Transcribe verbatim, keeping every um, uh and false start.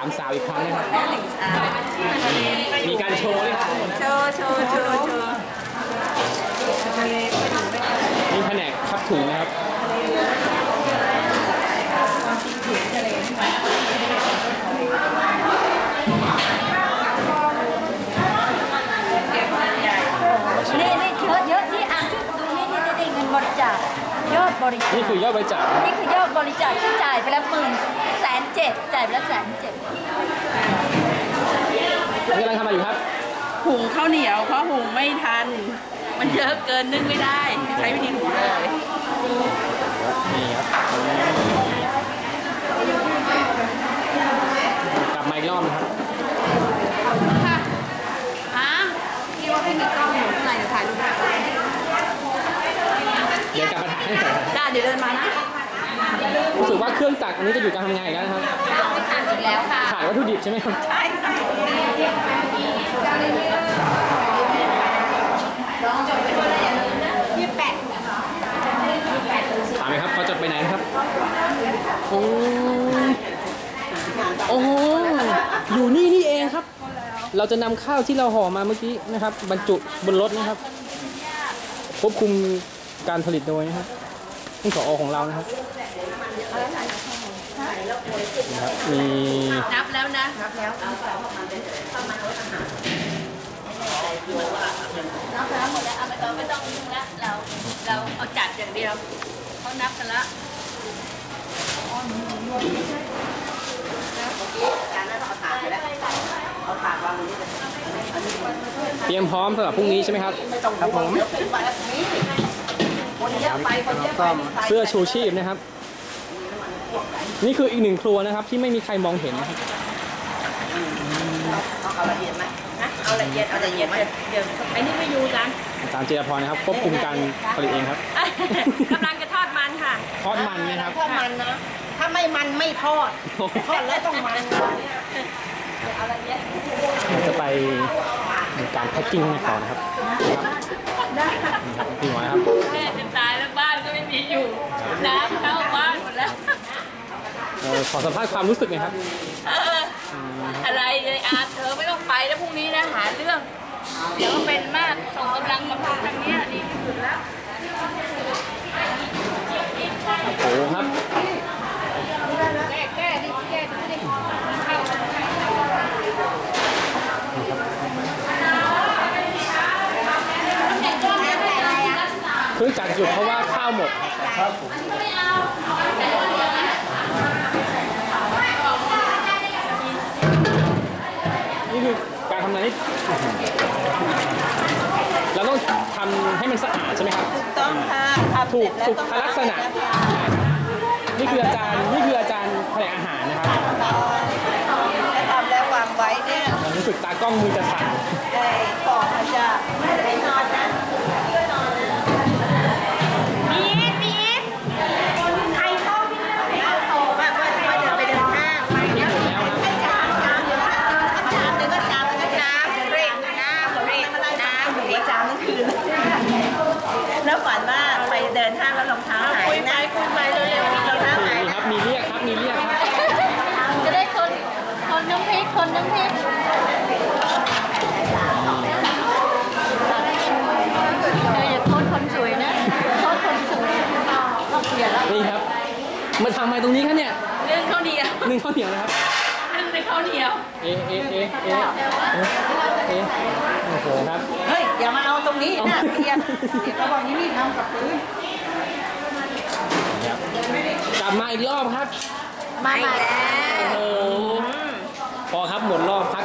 ามสาวอีกครั้งนะครับมีการโชว์ด้วยครับโชว์โชว์โชว์โชว์มีแผนกพับถุงนะครับนี่นี่เยอะเยอะที่อ่านที่ดูนี่นี่นี่เงินบริจาคยอดบริจาคนี่คือยอดบริจาคนี่คือยอดบริจาคที่จ่ายไปแล้วหมื่นแสนเจ็ดจ่ายไปแล้วแสนเจ็ดนี่กำลังทำอะไรอยู่ครับหุงข้าวเหนียวเพราะหุงไม่ทัน มันเยอะเกินนึ่งไม่ได้ ใช้วิธีหุงเลยนี่ครับกลับมาอีกรอบนะครับฮะพี่ว่าพี่มีกล้องอยู่ข้างในเดี๋ยวถ่ายรูปได้เดี๋ยวกลับมาถ่ายให้ต่อได้เดี๋ยวเดินมานะรู้สึกว่าเครื่องจักรอันนี้จะหยุดการทำงานอีกแล้วนะครับไม่ถ่ายอีกแล้วค่ะขายวัตถุดิบใช่ไหมครับใช่ค่ะยี่สิบแปดถามไหมครับเขาจะไปไหนนะครับโอ้โอ้โหอยู่นี่นี่เองครับ เราจะนำข้าวที่เราห่อมาเมื่อกี้นะครับ บรรจุบนรถนะครับควบคุมการผลิตโดยนะครับนี่ผอของเรานะครับนะครับมีนับแล้วนะ นับแล้วนับแล้วหมดแล้วเอาไม่ต้องไม่ต้องยุ่งแล้วเราเราเอาจัดอย่างเดียวเขานับกันละเตรียมพร้อมสำหรับพรุ่งนี้ใช่ไหมครับครับผมเสื้อชูชีพนะครับ นี่คืออีกหนึ่งครัวนะครับ ที่ไม่มีใครมองเห็นนะครับเอาละเอียดไหมนะเอาละเอียดเอาละเอียดเดี๋ยวไอ้นี่ไม่อยู่กันอาจารย์เจรพรนะครับควบคุมการผลิตเองครับกำลังจะทอดมันค่ะทอดมันนะครับทอดมันนะ ถ้าไม่มันไม่ทอด ทอดแล้วต้องมันเราจะไปในการแพ็กกิ้งกันต่อนะครับนี่ครับพี่หมอครับแม่จะตายแล้วบ้านก็ไม่มีอยู่น้ำเข้าบ้านหมดแล้วเอ่อขอสัมภาษณ์ความรู้สึกหน่อยครับเอออะไรเลยอาเธอไม่ต้องไปแล้วพรุ่งนี้นะหาเรื่อง เดี๋ยวก็เป็นมากส่งกำลังมาพักทางเนี้ยดีที่สุดแล้วโอ้โหครับแก้แก้ดิแก้ดิดิเข้าเครื่องจักรหยุดเพราะว่าข้าวหมดนี่คือการทำงานที่เราต้องทำให้มันสะอาดใช่ไหมครับถูกต้องค่ะทำถูเสร็กจแล้วสุขต้องลักษณะนี่คืออาจารย์นี่คืออาจารย์แผนกอาหารนะครับแล้วทำแล้ววางไว้เนี่ยรู้สึกตากล้องมือจะสั่นได้ของมันจะไม่ได้นอนนะมีดมีดใครเข้าพี่เลยโอ้แบบว่าเดินไปเดินห้างไปเนี่ยหมดแล้วครับจามจามเดี๋ยวจามเดี๋ยวก็จามแล้วก็จามเร่งน้ำเร่งน้ำเร่งจามทั้งคืนแล้วฝันว่าไปเดินห้างแล้วรองเท้าหายนะคุยไปเร็วๆรองเท้าหายมีครับมีเรียกครับมีเรียกครับจะได้คนคนน้ำพริกคนน้ำพริกเธออย่าโทษคนสวยนะโทษคนสวยต้องเปลี่ยนแล้วนี่ครับมาทำอะไรตรงนี้ครับเนี่ยเรื่องข้าวเหนียวนึ่งข้าวเหนียวนะครับเรื่องในข้าวเหนียวเอะเอะเอะเอะเอะเอะโอ้โหครับเฮ้ยอย่ามาเอาตรงนี้นะเปลี่ยนเดี๋ยวเขาบอกนี่นี่ทำกับพื้นครับกลับมาอีกรอบครับมาแล้วโอ้โหพอครับหมดรอบ